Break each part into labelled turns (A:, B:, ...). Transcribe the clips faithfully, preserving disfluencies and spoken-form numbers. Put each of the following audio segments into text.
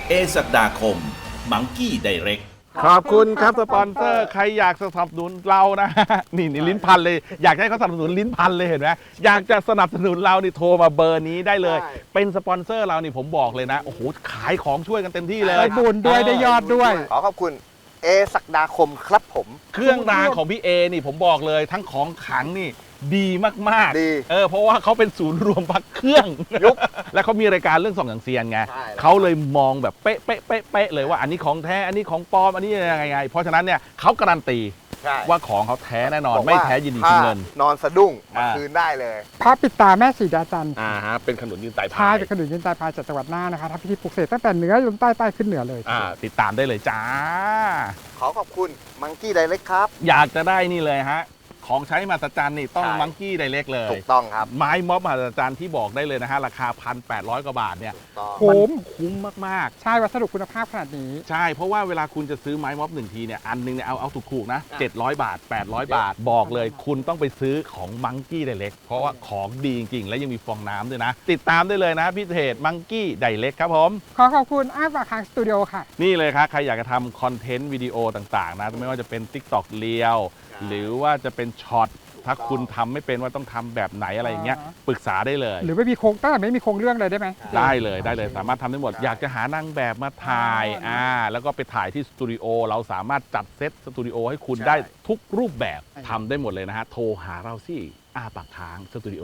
A: เอศักดาคมมังกี้ไดเรก
B: ขอบคุณครับสปอนเซอร์ใครอยากสนับสนุนเรานะ นี่นี่ลิ้นพันเลยอยากให้เขาสนับสนุนลิ้นพันเลยเห็นไหมอยากจะสนับสนุนเรานี่โทรมาเบอร์นี้ได้เลย เป็นสปอนเซอร์เรานี่ผมบอกเลยนะโอ้โหขายของช่วยกันเต็มที่เลย
C: ได้บุญด้วยได้ยอดด้วย
D: ขอขอบคุณเอศักดาคมครับผม
B: เครื่องรางของพี่เอนี่ผมบอกเลยทั้งของขลังนี่ดีมาก
D: ดี
B: ๆเออเพราะว่าเขาเป็นศูนย์รวมพักเครื่อง
D: ยุค
B: และเขามีรายการเรื่องส่องอย่างเซียนไง
D: ใช่แล้ว
B: เขาเลยมองแบบเป๊ะเป๊ะเป๊ะเป๊ะเลยว่าอันนี้ของแท้อันนี้ของปลอมอันนี้ยังไงไงเพราะฉะนั้นเนี่ยเขาการันตี
D: ใช่
B: ว่าของเขาแท้แน่นอน
D: บอกว่า
B: ไม่แท้ยินดีคืนเงิน
D: ถ้านอนสะดุ้งมา
B: อ่า
D: คืนได้เลย
C: พระปิดตาแม่สีดาจันทร์
B: อ่าฮะเป็นขนุนยืนไต่
C: พา
B: พาย ย
C: เป็นขนุนยืนใต้พายจากจังหวัดน่านนะคะทำพิธีปลุกเสกตั้งแต่เหนือจนใต้ใต้ขึ้นเหนือเลย
B: อ่าติดตามได้เลยจ้า
D: ขอขอบคุณมังกี้ไดเรกครับ
B: อยากจะได้นี่เลยฮะของใช้มหัศจรรย์นี่ต้อง
D: ใช่
B: มังกี้ไดเรกเลย
D: ถูกต้องครับ
B: ไม้ม็อบมหัศจรรย์ที่บอกได้เลยนะฮะราคา หนึ่งพันแปดร้อย กว่าบาทเนี่ย
D: ถูกต้อง
C: คุ้ม
B: คุ้มมาก
C: ใช่วัสดุคุณภาพขนาดนี้
B: ๆ ใช่เพราะว่าเวลาคุณจะซื้อไม้ม็อบหนึ่งทีเนี่ยอันหนึงเนี่ยเอาเอาถูกๆนะ
D: อ่ะ
B: เจ็ดร้อย บาท แปดร้อย บาท บอกเลยคุณต้องไปซื้อของมังกี้ไดเรกเพราะว่าของดีจริงๆ และยังมีฟองน้ำด้วยนะ ติดตามได้เลยนะพี่เพจมังกี้ไดเรกครับผม
C: ขอขอบคุณอ้ายปากคางสตูดิโอค่ะ
B: นี่เลยครับ ใครอยากจะทำคอนเทนต์วิดีโอต่างๆ นะ ไม่ว่าจะเป็น TikTok เรียว หรือว่าจะเป็นช็อต ถ้าคุณทำไม่เป็นว่าต้องทำแบบไหนอะไรอย่างเงี้ย
C: อ่า
B: ปรึกษาได้เลย
C: หรือไม่มีโครงตั้งแต่ไม่มีโครงเรื่องเลยได้ไหม
B: ได้เลยได้เลยสามารถทำได้หมด อยากจะหานางแบบมาถ่าย
C: อ๋ออ่
B: อ่าแล้วก็ไปถ่ายที่สตูดิโอเราสามารถจัดเซตสตูดิโอให้คุณได้ทุกรูปแบบทำได้หมดเลยนะฮะ โทรหาเราสิอาปากค้างสตูดิโอ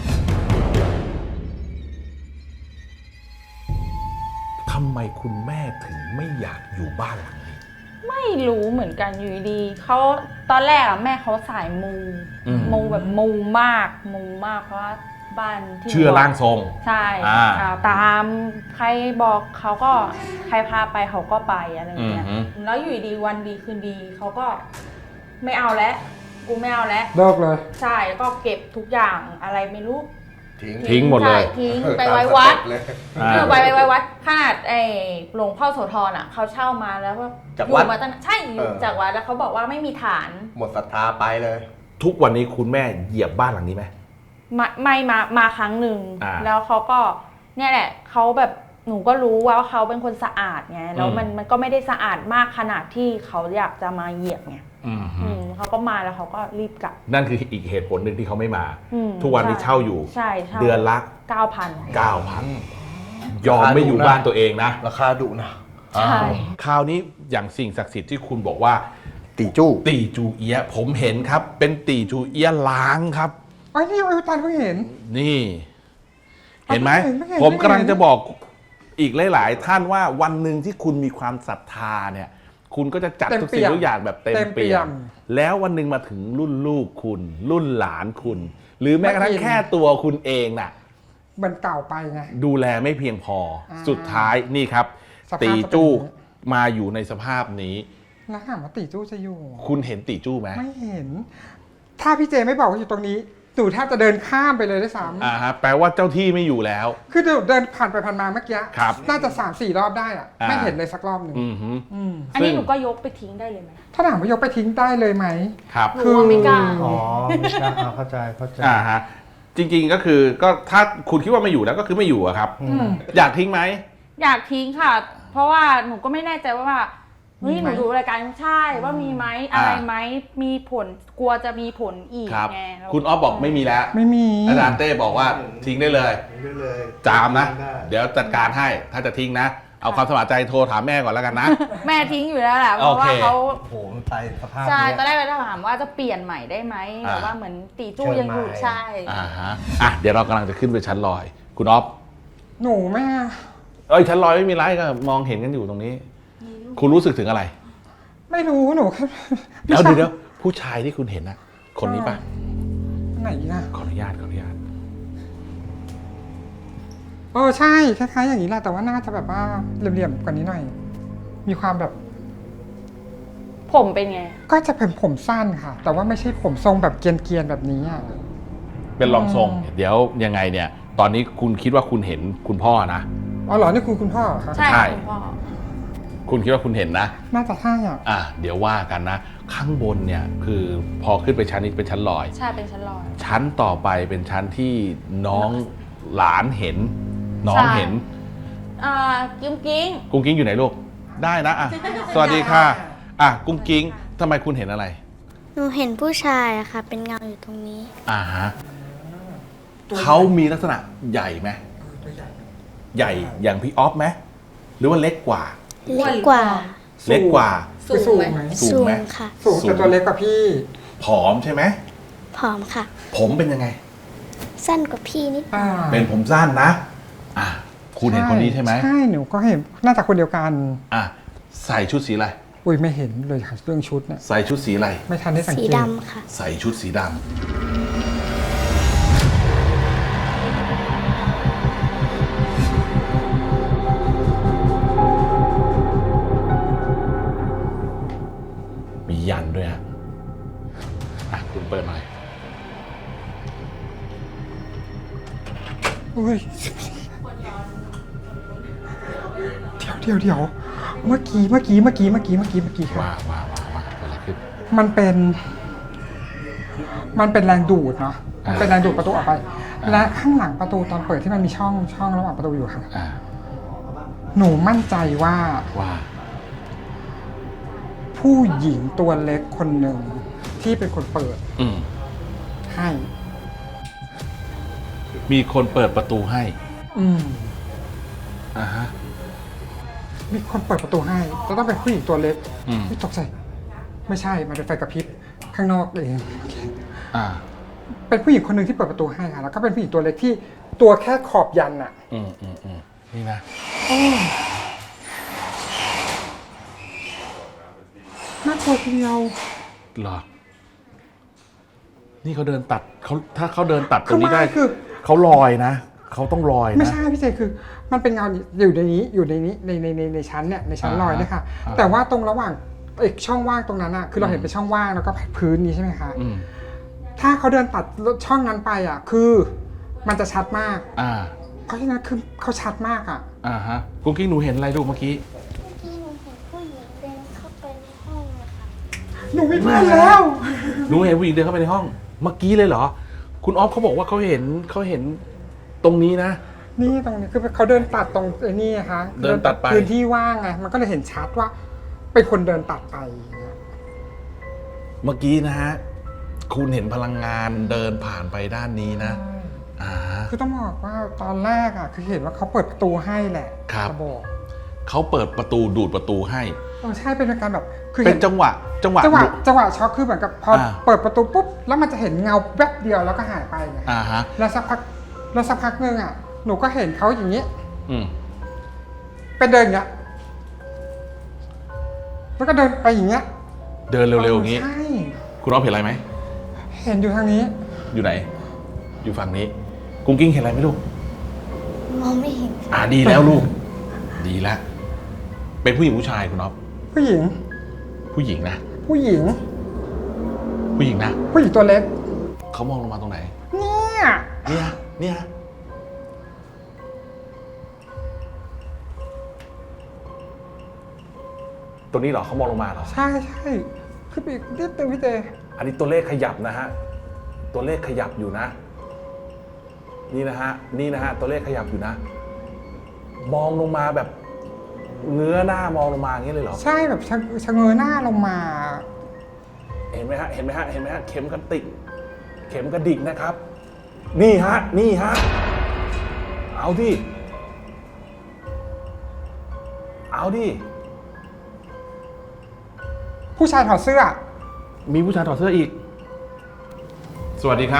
A: ทำไมคุณแม่ถึงไม่อยากอยู่บ้านหลังนี้
E: ไม่รู้เหมือนกันอยู่ดีๆเขาตอนแรกอะแม่เขาสายมู
B: อืม
E: มูแบบมูมากมูมากเพราะว่าบ้านที่
B: เชื่อร่างทรง
E: ใช่
B: อ่า
E: อ่าตามใครบอกเขาก็ใครพาไปเขาก็ไปอะไรอย่างเงี้ย
B: อือฮึ
E: แล้วอยู่ดีวันดีคืนดีเขาก็ไม่เอาแล้วกูไม่เอาแล้ว
C: เลิกเลย
E: ใช่แล้วก็เก็บทุกอย่างอะไรไม่รู้
D: ทิ้ง
B: ทิ้งหมดเลย
E: ใช่ทิ้งไปไว้วัด
D: เลย
B: อ่า
E: คือไปไปไว้วัดขนาดไอ้หลวงพ่อโสธรอ่ะเขาเช่ามาแล้วก็
D: จาก
E: อยู่
D: วัด
E: มาตั้งใช่อยู่
D: เออ
E: จากวัดแล้วเขาบอกว่าไม่มีฐาน
D: หมดศรัทธาไปเลย
A: ทุกวันนี้คุณแม่เหยียบบ้านหลังนี้ไหม
E: มาไม่มามาครั้งหนึ่ง
B: อ่า
E: แล้วเขาก็เนี่ยแหละเขาแบบหนูก็รู้ว่าเขาเป็นคนสะอาดไงแล้วมันมันก็ไม่ได้สะอาดมากขนาดที่เขาอยากจะมาเหยียบไง
B: อืม
E: อืมเขาก็มาแล้วเขาก็รีบกลับ
B: นั่นคืออีกเหตุผลหนึ่งที่เขาไม่มา
E: อืม
B: ทุกวันนี้
E: ใช่
B: เช่าอยู่
E: ใช่เช่า
B: เดือนละ
E: เก้าพัน
B: เก้าพัน ยอมไม่อยู่บ้านตัวเองนะ
D: ราคาดุนะ
E: ใช่
B: คราวนี้อย่างสิ่งศักดิ์สิทธิ์ที่คุณบอกว่า
D: ตีจู้
B: ตีจูเอียะผมเห็นครับ เป็นตีจูเอียะล้างครับ
C: อ๋อนี่อายุตันเพิ่งเห็น
B: นี่ เห็นไหม
C: ไม่เห็นไม่เห็น
B: ผมกำลัง
C: ไม่เห็น
B: จะบอกอีกหลาย ๆ ท่านว่าวันหนึ่งที่คุณมีความศรัทธาเนี่ย คุณก็จะจัดทุกสิ่งทุกอย่างแบบเต็มเปี่ยม แล้ววันหนึ่งมาถึงรุ่นลูกคุณ รุ่นหลานคุณ หรือแม้กระทั่งแค่ตัวคุณเองน่ะ
C: มันเก่าไปไง
B: ดูแลไม่เพียงพอ
C: อ่า
B: สุดท้ายนี่ครับ
C: สภาพ
B: ตี
C: จะเป็น
B: จู้
C: อย่างนี้
B: มาอยู่ในสภาพนี้
C: แล้วถามว่าตีจู้จะอยู่
B: คุณเห็นตีจู้ไหม
C: ไม่เห็น ถ้าพี่เจไม่บอกว่าอยู่ตรงนี้หนูแทบจะเดินข้ามไปเลยด้วยซ้
B: อ่าฮะแปลว่าเจ้าที่ไม่อยู่แล้ว
C: ำคือหนูเดินผ่านไปผ่านมาเมื่อกี้
B: ครับ
C: น่าจะสามสี่รอบได้อะ
B: อ่า
C: ไม่เห็นเลยสักรอบหนึ่ง
B: อือฮึ
C: อืม
E: อันนี้หนูก็ยกไปทิ้งได้เลยไหม
C: ถ้าถามว่ายกไปทิ้งได้เลยไหม
B: ครับ
E: หนูว่าไม่กล้า
F: อ๋อไม่กล้าอ่าเข้าใจเข้าใจ
B: อ่าฮะจริงๆก็คือก็ถ้าคุณคิดว่าไม่อยู่แล้วก็คือไม่อยู่อะครับ
F: อืม
B: อยากทิ้งไหม
E: อยากทิ้งค่ะ เพราะว่าหนูก็ไม่แน่ใจว่าเฮ้ย
C: มี
E: ห
C: ไหม
E: นูดูรายการใช่ว่ามีไหมอะไรไหมมีผลกลัวจะมีผลอีก
B: ครับ
E: ไงแล้ว
B: คุณออฟบอกไม่มีแล้ว
C: ไม่มี
B: อาจารย์เต้บอกว่าทิ้งได้เลย
F: ได้เลย
B: จามนะ
F: ได้
B: เดี๋ยวจัดการให้ถ้าจะทิ้งนะ เอาความสมัครใจโทรถามแม่ก่อนแล้วกันนะ
E: แม่ทิ้งอยู่แล้วแหละเพราะว่า
B: โอเค
E: เขา
F: โอ้โหมันไปสภาพ
E: ใช่
F: เนี้ย
E: ตอนแรกเราถามว่าจะเปลี่ยนใหม่ได้ไหม
B: อ่า
E: แบบว่าเหมือนตีจู้
F: เชิญ
E: ยังอยู่
F: ใหม่
E: ใช่
B: อ่าฮะอ่ะเดี๋ยวเรากำลังจะขึ้นไปชั้นลอย คุณออฟ
C: หนูแม่
B: เอ้ยชั้นลอยไม่มีไรก็มองเห็นกันอยู่ตรงนี้ คุณรู้สึกถึงอะไร
C: ไม่รู้หนูแค่
B: เดี๋ยวเดี๋ยวเดี๋ยวผู้ชายที่คุณเห็นนะคนนี้ปะ
C: ไหนนะ
B: ขออนุญาตขออนุญาต
C: เออใช่คล้ายๆอย่างนี้แหละแต่ว่าน่าจะแบบว่าเหลี่ยมๆกว่านี้หน่อย มีความแบบ
E: ผมเป็นไง
C: ก็จะเป็นผมสั้นค่ะ แต่ว่าไม่ใช่ผมทรงแบบเกรียนๆแบบนี้อ่ะ
B: เป็นรองทรง
C: อืม
B: เดี๋ยวยังไงเนี่ย ตอนนี้คุณคิดว่าคุณเห็นคุณพ่อนะ
C: อ๋อเหรอนี่คุณคุณพ่อเหรอคะ
E: ใช่
B: ใช่
E: คุณพ่อ
B: คุณคิดว่าคุณเห็นนะ
C: น่าจะใช่อ่ะ
B: อ่ะเดี๋ยวว่ากันนะ ข้างบนเนี่ยคือพอขึ้นไปชั้นนี้เป็นชั้นลอย
E: ใช่เป็นชั้นลอย
B: ชั้นต่อไปเป็นชั้นที่น้องหลานเห็น น้อง
E: ใช่
B: เห็น
E: อ่ากิ้งกิ้ง
B: กุ้งกิ้งอยู่ไหนลูกได้นะอ่ะสวัสดีค่ะอ่ะกุ้งกิ้งทำไมคุณเห็นอะไร
G: หนูเห็นผู้ชายอะค่ะ เป็นเงาอยู่ตรงนี้
B: อ่าฮะเขามีลักษณะใหญ่ไหมใหญ่อย่างพี่ออฟไหมหรือว่าเล็กกว่า
G: เล็กกว่า
B: เล็กกว่า
C: คือสูงไหม
B: สูง
G: สู
B: ไหม
G: งค่ะ
C: สูงแต่ตัวเล็กกว่าพี่
B: ผอมใช่ไหม
G: ผอมค่ะ
B: ผมเป็นยังไง
G: สั้นกว่าพี่นิด
C: อ่า
B: เป็นผมสั้นนะ อ่ะคุณเห็นคนนี้ใช่ไหม
C: ใช่หนูก็เห็นน่าจะคนเดียวกัน
B: อ่ะใส่ชุดสีอะไร
C: อุ้ยไม่เห็นเลยค่ะเรื่องชุดเนี่ย
B: ใส่ชุดสีอะไร
C: ไม่ทันได้สัง
G: สี
C: เกต
G: ดำค่ะ
B: ใส่ชุดสีดำมียันด้วยฮะอ่ะคุณเปิดหน่อย
C: อุ้ยเดี๋ยวเดี๋ยวเดี๋ยวเมื่อกี้เมื่อกี้เมื่อกี้เมื่อกี้เมื่อกี้เมื่อกี้ค่ะ
B: ว้าวว้าวว้าวว้าวเกิดอะไรขึ้น
C: มันเป็น มันเป็นแรงดูดเนาะมันเป็นแรงดูดประตูออกไป และข้างหลังประตูตอนเปิดที่มันมีช่องช่องระหว่างประตูอยู่ค่ะ
B: อ่า
C: หนูมั่นใจว่า
B: ว่า
C: ผู้หญิงตัวเล็กคนหนึ่งที่เป็นคนเปิด
B: อืม
C: ให้
B: มีคนเปิดประตูให้
C: อืม
B: อ่าฮะ
C: มีคนเปิดประตูให้จะต้องเป็นผู้หญิงตัวเล็ก
B: อืม
C: ไม่ตกใจ ไม่ใช่ มันเป็นไฟกระพริบข้างนอกเอง
B: อ่า
C: เป็นผู้หญิงคนหนึ่งที่เปิดประตูให้ค่ะ แล้วก็เป็นผู้หญิงตัวเล็กที่ตัวแค่ขอบยันอะ
B: อืมอืมอืมนี่นะ
C: น่ากลัวทีเดียว
B: เหรอ นี่เขาเดินตัดเขาถ้าเขาเดินตัดตรงนี้ได้
C: ข้างล่างคือ
B: เขาลอยนะ เขาต้องลอย
C: ไม่
B: นะ
C: ใช่พี่เจคือ มันเป็นเงาอยู่ในนี้อยู่ในนี้ในในในในชั้นเนี่ยในชั้น
B: อ่า
C: ลอยเนี่ยค่ะ
B: อ่า
C: แต่ว่าตรงระหว่างไอ้ช่องว่างตรงนั้นอะคือเราเห็นเป็นช่องว่างแล้วก็พื้นนี้ใช่ไหมคะ
B: อืม
C: ถ้าเขาเดินตัดช่องนั้นไปอะคือมันจะชัดมาก
B: อ่า
C: เพราะฉะนั้นคือเขาชัดมากอะ
B: อ่าฮะกุ้งกิ้งหนูเห็นอะไรลูกเมื่อกี้
G: ที่หนูเห็นผู้หญิงเดินเข้าไปในห้องเลยค่ะ
C: หนูไม่เพื่อนแล้ว
B: หนูเห็นผู้หญิงเดินเข้าไปในห้อง เมื่อกี้เลยเหรอ คุณออฟเขาบอกว่าเขาเห็นเขาเห็นตรงนี้นะ
C: นี่ตรงนี้คือเขาเดินตัดตรงไอ้นี่นะคะ
B: เดินตัดไป
C: พื้นที่ว่างไงมันก็เลยเห็นชัดว่า เป็นคนเดินตัดไปอย่างเงี้ย
B: เมื่อกี้นะฮะ คุณเห็นพลังงานเดินผ่านไปด้านนี้นะ อ่า
C: คือต้องบอกว่าตอนแรกอะคือเห็นว่าเขาเปิดประตูให้แหละ
B: ครับ
C: จะบอก
B: เขาเปิดประตูดูดประตูให้
C: เออใช่เป็นการแบบคือ
B: เป็
C: เห็
B: น
C: น
B: จังหวะ จังหวะ
C: จังหวะ
B: ดู
C: จังหวะช็อกคือเหมือนกับพอ
B: อ่า
C: เปิดประตูปุ๊บแล้วมันจะเห็นเงาแวบเดียวแล้วก็หายไปไง
B: อ่าฮะ
C: แล้วสักพักแล้วสักพักหนึงอะหนูก็เห็นเขาอย่างนี้
B: อืม
C: เป็นเดินอย่างเงี้ยแล้วก็เดินไปอย่างเงี้ย
B: เดินเร็วๆอย่างนี้
C: ใช่
B: คุณออฟเห็นอะไรไหม
C: เห็นอยู่ทางนี้
B: อยู่ไหน อยู่ฝั่งนี้ กุ้งกิ้งเห็นอะไรไหมลูก
G: มองไม่เห็น
B: อ่าดีแล้วลูก ดีแล้ว เป็นผู้หญิงผู้ชายคุณอ๊อฟ
C: ผู้หญิง
B: ผู้หญิงนะ
C: ผู้หญิง
B: ผู้หญิงนะ
C: ผู้หญิงตัวเล็ก
B: เขามองลงมาตรงไหน
C: เนี่ย
B: เนี่ย เนี่ย ตรงนี้เหรอเขามองลงมาเหรอ
C: ใช่ใช่คือไปอีกนิดนึงพี่เจ
B: อันนี้ตัวเลขขยับนะฮะ ตัวเลขขยับอยู่นะ นี่นะฮะ นี่นะฮะ ตัวเลขขยับอยู่นะ มองลงมาแบบเงื้อหน้ามองลงมาอย่างนี้เลยเหรอ
C: ใช่แบบชะชะเง้อหน้าลงมา
B: เห็นไหมฮะ เห็นไหมฮะ เห็นไหมฮะ เข็มกระติก เข็มกระดิกนะครับ นี่ฮะ นี่ฮะ เอาดิ เอาดิ
C: ผู้ชายถอดเสื้อ
B: มีผู้ชายถอดเสื้ออีก สวัสดีครับ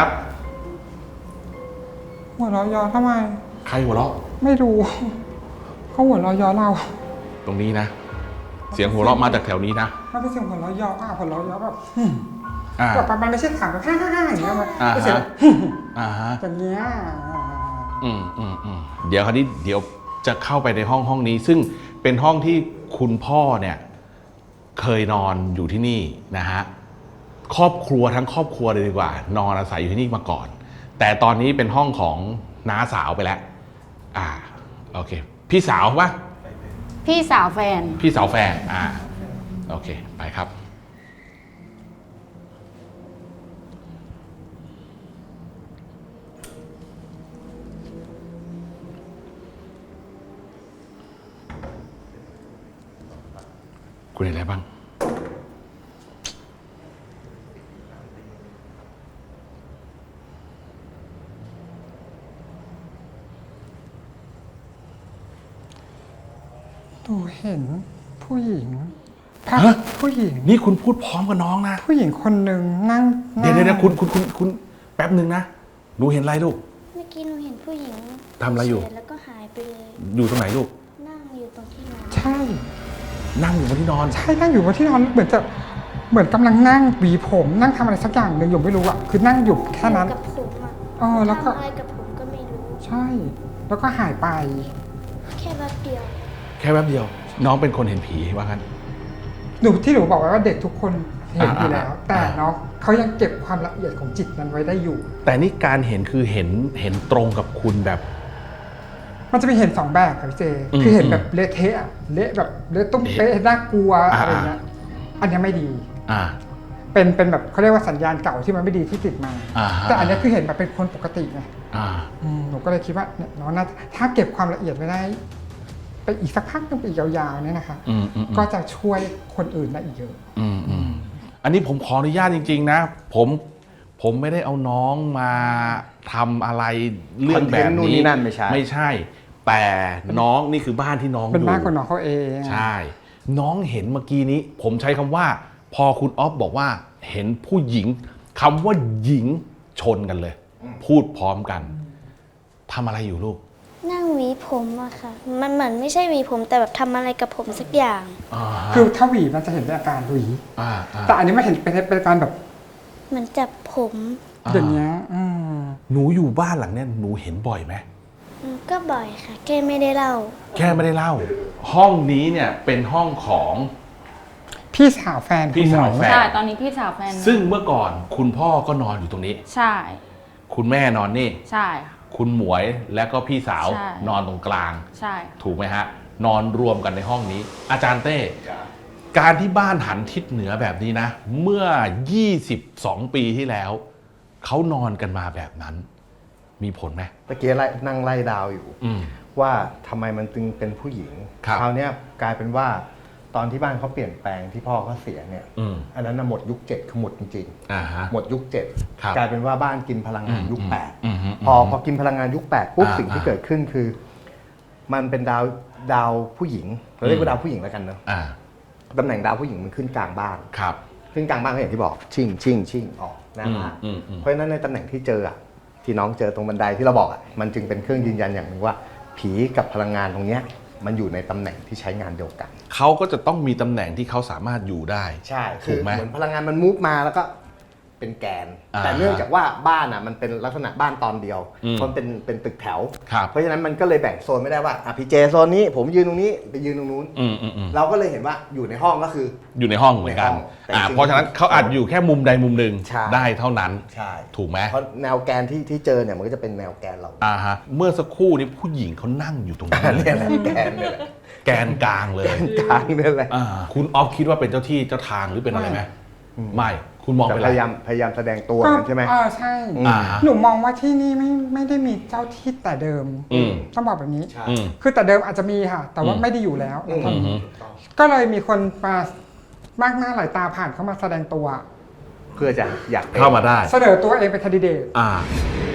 C: หัวเราะย้อทำไม
B: ใครหัวเราะ
C: ไม่รู้เขาหัวเราะย้อเรา
B: ตรงนี้นะ เสียงหัวเราะมาจากแถวนี้นะ
C: มันเป็นเสียงหัวเราะย้ออ่ะหัวเราะย้อแบบ
B: อ่า
C: แบบมันไม่ใช่ถามแบบฮ่าฮ่าฮ่าอย่างเงี้ยมัน
B: อ่า
C: เป็นเสียง
B: ฮะ อ่าฮะ
C: อย่างเงี้ย
B: อืมอืมอืมเดี๋ยวคราวนี้เดี๋ยวจะเข้าไปในห้องห้องนี้ ซึ่งเป็นห้องที่คุณพ่อเนี่ยเคยนอนอยู่ที่นี่นะฮะครอบครัวทั้งครอบครัวเลยดีกว่า นอนอาศัยอยู่ที่นี่มาก่อน แต่ตอนนี้เป็นห้องของน้าสาวไปแล้ว อ่าโอเค พี่สาวปะ
H: พี่สาวแฟน
B: พี่สาวแฟนอ่าโอเคไปครับคุณเห็นอะไรบ้าง
C: หนูเห็นผู้หญิงภาพ
B: ฮะ
C: ผู้หญิง
B: นี่คุณพูดพร้อมกับน้องนะ
C: ผู้หญิงคนหนึ่งนั่ง
B: เดี๋ยวเดี๋ยว
C: นั่
B: เดี๋ย
C: ง
B: วคุณคุณคุณคุณแป๊บหนึ่งนะ หนูเห็นอะไรลูก
G: เมื่อกี้หนูเห็นผู้หญิง
B: ทำอะไรอยู่
G: เฉแล้วก็หายไปเลย
B: อยู่ตรงไหนลูก
G: นั่งอยู่ตรงที่นอน
C: ใช่
B: นั่งอยู่บนที่นอน
C: ใช่นั่งอยู่บนที่นอนเหมือนจะเหมือนกำลังนั่งหวีผมนั่งทำอะไรสักอย่างหนึ่งอยู่ไม่รู้อะคือนั่งอยู่แค่นั้น
G: กับผมอ่ะ
C: เออแล้วก็
G: ทำอะไรกับผมก็ไม่รู้
C: ใช่ แล้วก็หายไป
G: แค่แป๊บเดียว
B: แค่แป๊บเดียว น้องเป็นคนเห็นผีว่างั้น
C: หนูที่หนูบอกไว้ว่าเด็กทุกคนเห็นอยู่แล้ว
B: อ่า
C: แต่
B: อ่า
C: เนาะเขายังเก็บความละเอียดของจิตนั้นไว้ได้อยู่
B: แต่นี่การเห็นคือเห็นเห็นตรงกับคุณแบบ
C: มันจะมีเห็นสองแบบค่ะพี่เจ
B: อืม
C: คือเห็นแบบเละเทะอะเละแบบเละตุ้มเป๊ะน่ากลัว
B: อ่า
C: อะไรเงี้ย อันเนี้ยไม่ดี
B: อ่า
C: เป็นเป็นแบบเขาเรียกว่าสัญญาณเก่าที่มันไม่ดีที่ติดมา
B: อ่าฮะ
C: แต่อันเนี้ยคือเห็นแบบเป็นคนปกติไง
B: อ่า
C: อืมหนูก็เลยคิดว่าเนี่ยน้องน่าถ้าเก็บความละเอียดไว้ได้ ไปอีกสักพักหนึงไปอีกยาวๆเนี่ยนะคะ
B: อืมอืมอืม
C: ก็จะช่วยคนอื่นได้อีกเยอะ
B: อืมอืมอันนี้ผมขออนุญาตจริง ๆ นะ ผมผมไม่ได้เอาน้องมาทำอะไรเรื่องแบบ
D: คอนเทนต์นู่น
B: นี้
D: นี่นั่นไม่ใช่
B: ไม่ใช่ แต่น้องนี่คือบ้านที่น้อง
C: เป็น
B: อยู่
C: บ้านของน้องเขาเอง
B: ใช่ น้องเห็นเมื่อกี้นี้ ผมใช้คำว่า พอคุณออฟบอกว่าเห็นผู้หญิงคำว่าหญิงชนกันเลย พูดพร้อมกันทำอะไรอยู่ลูก
G: นั่งหวีผมอะค่ะ มันเหมือนไม่ใช่หวีผมแต่แบบทำอะไรกับผมสักอย่าง
B: อ่าฮะ
C: คือถ้าหวีมันจะเห็นเป็นอาการหวี
B: อ่าอ่า
C: แต่อันนี้ไม่เห็นเป็นเป็นอาการแบบ
G: เหมือนจับผม
C: อย่างเงี้ยอืม
B: หนูอยู่บ้านหลังเนี้ยหนูเห็นบ่อยไหม
G: อืมก็บ่อยค่ะ แค่ไม่ได้เล่า
B: แค่ไม่ได้เล่า ห้องนี้เนี่ยเป็นห้องของ
C: พี่สาวแฟน
B: พี่สาวแฟน
E: ใช่ ตอนนี้พี่สาวแฟน
B: ซึ่งเมื่อก่อนคุณพ่อก็นอนอยู่ตรงนี้
E: ใช่
B: คุณแม่นอนนี่
E: ใช่ค่ะ
B: คุณหมวยและก็พี่สาว
E: ใช่
B: นอนตรงกลาง
E: ใช่
B: ถูกไหมฮะ นอนรวมกันในห้องนี้ อาจารย์เต้ การที่บ้านหันทิศเหนือแบบนี้นะ เมื่อ ยี่สิบสอง ปีที่แล้ว เขานอนกันมาแบบนั้น มีผลไหม
D: ตะเกียไล่นั่งไล่ดาวอยู่
B: อืม
D: ว่าทำไมมันจึงเป็นผู้หญิง
B: ครับ
D: คราวเนี้ยกลายเป็นว่าตอนที่บ้านเขาเปลี่ยนแปลงที่พ่อเขาเสียเนี่ย
B: อืม
D: อันนั้นนะหมดยุคเจ็ดคือหมดจริง
B: อ่าฮะ
D: ๆหมดยุคเจ็ด
B: ครับ
D: กลายเป็นว่าบ้านกินพลังงานยุค
B: อืม
D: แปด
B: อืมอืม
D: พอพอกินพลังงานยุคแปดปุ๊บ
B: อ่า
D: สิ่งที่
B: อ่า
D: เกิดขึ้นคือ มันเป็นดาวดาวผู้หญิงเราเรียกว่าดาวผู้หญิงแล้วกันเนอะ
B: อ่า
D: ตำแหน่งดาวผู้หญิงมันขึ้นกลางบ้าน
B: ครับ
D: ขึ้นกลางบ้านก็อย่างที่บอก ชิ่งชิ่งชิ่งออกหน้าบ้าน
B: อืมอืมอืม
D: เพราะฉะนั้นในตำแหน่งที่เจออะที่น้องเจอตรงบันไดที่เราบอกอะมันจึงเป็นเครื่องยืนยันอย่างหนึ่งว่า ผีกับพลังงานตรงเนี้ยมันอยู่ในตำแหน่งที่ใช้งานเดียวกัน
B: เขาก็จะต้องมีตำแหน่งที่เขาสามารถอยู่ได้
D: ใช่
B: ถู
D: คื
B: ก
D: อ
B: ไหม
D: เหมือนพลังงานมันมูฟมาแล้วก็เป็นแกน
B: อ่า
D: แต่เนื่องจากว่าบ้านอ่ะมันเป็นลักษณะบ้านตอนเดียว
B: อืม
D: เพราะมันเป็นเป็นตึกแถว
B: ครับ
D: เพราะฉะนั้นมันก็เลยแบ่งโซนไม่ได้ว่าอ่ะพี่เจโซนนี้ผมยืนตรงนี้ไปยืนตรงนู้น
B: อืมอืมอืม
D: เราก็เลยเห็นว่าอยู่ในห้องก็คือ
B: อยู่ในห้องเหมือนกัน
D: ในห้องแต่
B: อ่า
D: จริงๆ
B: เพราะฉะนั้นเขาอาจอยู่แค่มุมใดมุมหนึ่ง
D: ใช่
B: ได้เท่านั้น
D: ใช่
B: ถูกไหม
D: เพราะแนวแกนที่ที่เจอเนี่ยมันก็จะเป็นแนวแกนเรา
B: อ่าฮะ เมื่อสักครู่นี้ผู้หญิงเขานั่งอยู่ตรงนั้นเล
D: เนี่ย
B: ย
D: แหละแกนเนี่ยแหละ
B: แกนกลางเลย
D: แกนกลางเนี่ยแหละ
B: อ่าคุณออฟคิดว่าเป็นเจ้าที่เจ้าทางหรือเป็นอะไรไหมไม่ คุณมอง
D: แต่
B: เป็น
D: พ
B: อะไร
D: ยายามพยายามแสดงตัว
C: ก็
D: กันใช่ไหม
C: เออใช่
B: อ่าฮะ
C: หนูมองว่าที่นี่ไม่ไม่ได้มีเจ้าที่แต่เดิม
B: อืม
C: ต้องบอกแบบนี้
D: ใช่
B: อืม
C: คือแต่เดิมอาจจะมีค่ะ แต่ว่า
B: อืม
C: ไม่ได้อยู่แล้ว
D: อืม
C: ตอนนี้ ก็เลยมีคนมามากหน้าหลายตาผ่านเข้ามาแสดงตัว
D: เพื่อจะอยากป็น
B: เข้ามาได้
C: เสนอตัวเองเป็นแคนดิเดต
B: อ่า